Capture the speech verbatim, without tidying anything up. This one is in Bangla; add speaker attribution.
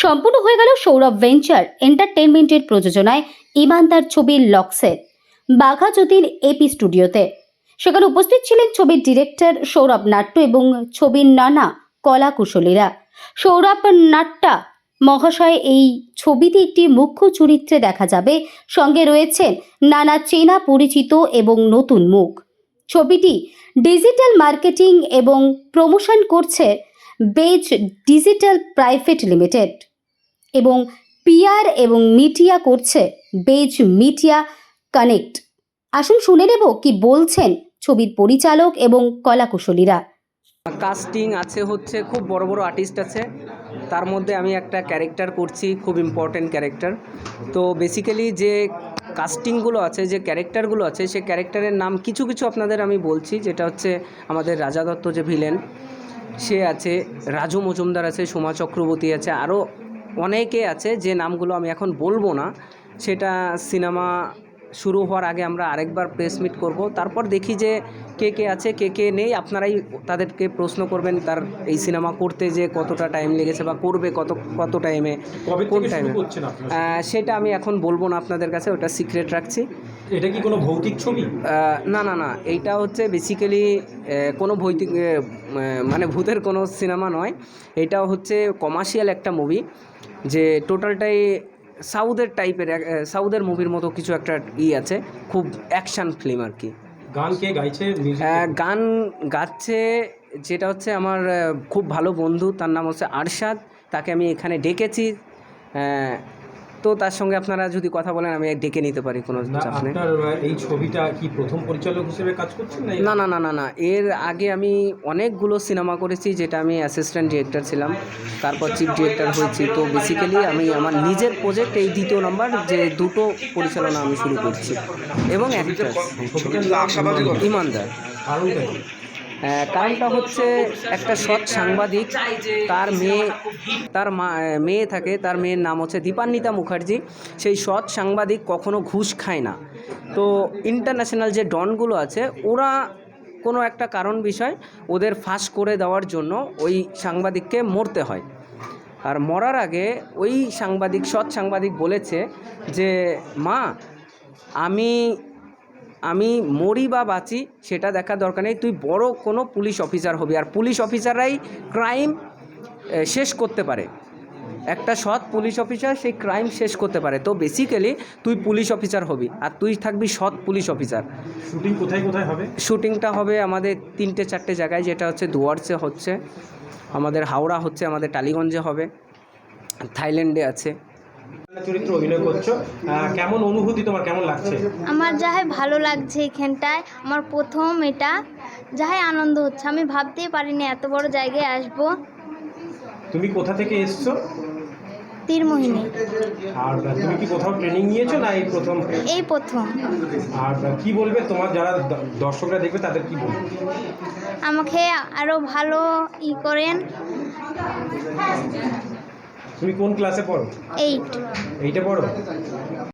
Speaker 1: সম্পূর্ণ হয়ে গেল সৌরভ ভেঞ্চার এন্টারটেনমেন্টের প্রযোজনায় ইমানদার ছবির লক্সের বাঘা জ্যোতির এপি স্টুডিওতে। সেখানে উপস্থিত ছিলেন ছবির ডিরেক্টর সৌরভ নাট্য এবং ছবির নানা কলা কুশলীরা। সৌরভ নাট্যা মহাশয় এই ছবিতে একটি মুখ্য চরিত্রে দেখা যাবে, সঙ্গে রয়েছেন নানা চেনা পরিচিত এবং নতুন মুখ। ছবিটি ডিজিটাল মার্কেটিং এবং প্রমোশন করছে বেজ ডিজিটাল প্রাইভেট লিমিটেড এবং পিআর এবং মিডিয়া করছে বেজ মিডিয়া কানেক্ট। আসুন শুনে নেব কি বলছেন ছবির পরিচালক এবং কলাকুশলীরা।
Speaker 2: কাস্টিং আছে, হচ্ছে খুব বড় বড় আর্টিস্ট আছে, তার মধ্যে আমি একটা ক্যারেক্টার করছি, খুব ইম্পর্টেন্ট ক্যারেক্টার। তো বেসিক্যালি যে কাস্টিংগুলো আছে, যে ক্যারেক্টারগুলো আছে, সে ক্যারেক্টারের নাম কিছু কিছু আপনাদের আমি বলছি। যেটা হচ্ছে আমাদের রাজা দত্ত যে ভিলেন, সে আছে, রাজু মজুমদার আছে, সোমা চক্রবর্তী আছে, আরও অনেকে আছে যে নামগুলো আমি এখন বলবো না। সেটা সিনেমা শুরু হওয়ার আগে আমরা আরেকবার প্রেস মিট করব, তারপর দেখি যে কে কে আছে কে কে নেই। আপনারাই তাদেরকে প্রশ্ন করবেন তার এই সিনেমা করতে যে কতটা টাইম লেগেছে বা করবে কত কত টাইমে, কোন টাইমে, সেটা আমি এখন বলবো না আপনাদের কাছে, ওটা সিক্রেট রাখছি।
Speaker 3: এটা কি কোনো ভৌতিক ছবি?
Speaker 2: না না না, এইটা হচ্ছে বেসিক্যালি কোনো ভৌতিক মানে ভূতের কোনো সিনেমা নয়। এটা হচ্ছে কমার্শিয়াল একটা মুভি, যে টোটালটাই সাউথের টাইপের, সাউথের মুভির মতো কিছু একটা ই আছে, খুব অ্যাকশান ফিল্ম আর কি।
Speaker 3: গান কে গাইছে?
Speaker 2: গান গাচ্ছে যেটা হচ্ছে আমার খুব ভালো বন্ধু, তার নাম হচ্ছে আরশাদ। তাকে আমি এখানে ডেকেছি, তো তার সঙ্গে আপনারা যদি কথা বলেন আমি ডেকে নিতে পারি, কোনো চাপ নেই।
Speaker 3: এই ছবিটা কি প্রথম পরিচালক হিসেবে কাজ করছেন?
Speaker 2: না না না না না, এর আগে আমি অনেকগুলো সিনেমা করেছি, যেটা আমি অ্যাসিস্ট্যান্ট ডিরেক্টর ছিলাম, তারপর চিফ ডিরেক্টর হয়েছি। তো বেসিক্যালি আমি আমার নিজের প্রজেক্ট এই দ্বিতীয় নাম্বার যে দুটো পরিচালনা আমি শুরু করছি, এবং একটা ইমানদার। কারণটা হচ্ছে একটা সৎ সাংবাদিক, তার মেয়ে তার মা মেয়ে থাকে, তার মেয়ের নাম হচ্ছে দীপান্বিতা মুখার্জি। সেই সৎ সাংবাদিক কখনো ঘুষ খায় না। তো ইন্টারন্যাশনাল যে ডনগুলো আছে, ওরা কোনো একটা কারণ বিষয় ওদের ফাঁস করে দেওয়ার জন্য ওই সাংবাদিককে মরতে হয়। আর মরার আগে ওই সাংবাদিক, সৎ সাংবাদিক বলেছে যে মা, আমি আমি মরি বা বাঁচি সেটা দেখার দরকার নেই, তুই বড় কোনো পুলিশ অফিসার হবি, আর পুলিশ অফিসাররাই ক্রাইম শেষ করতে পারে। একটা সৎ পুলিশ অফিসার সেই ক্রাইম শেষ করতে পারে। তো বেসিক্যালি তুই পুলিশ অফিসার হবি, আর তুই থাকবি সৎ পুলিশ অফিসার।
Speaker 3: শুটিং কোথায় কোথায় হবে?
Speaker 2: শুটিংটা হবে আমাদের তিনটে চারটে জায়গায়, যেটা হচ্ছে দুয়ার্সে হচ্ছে, আমাদের হাওড়া হচ্ছে, আমাদের টালিগঞ্জে হবে, থাইল্যান্ডে আছে।
Speaker 3: চরিত্র অভিনয় করছো, কেমন অনুভূতি তোমার, কেমন লাগছে?
Speaker 4: আমার যাহাই ভালো লাগছে, এখানটায় আমার প্রথম, এটা যাহাই আনন্দ হচ্ছে। আমি ভাবতেই পারিনি এত বড় জায়গায় আসবো।
Speaker 3: তুমি কোথা থেকে এসছো?
Speaker 4: তীরমোহিনী।
Speaker 3: আর তুমি কি কোথাও ট্রেনিং নিয়েছো না এই প্রথম?
Speaker 4: এই প্রথম।
Speaker 3: আর কি বলবে তোমার যারা দর্শকরা দেখবে তাদের কি বলবে?
Speaker 4: আমাকে আরো ভালো ই করেন।
Speaker 3: তুমি কোন ক্লাসে পড়ো?
Speaker 4: এইট।
Speaker 3: এইটা পড়ো?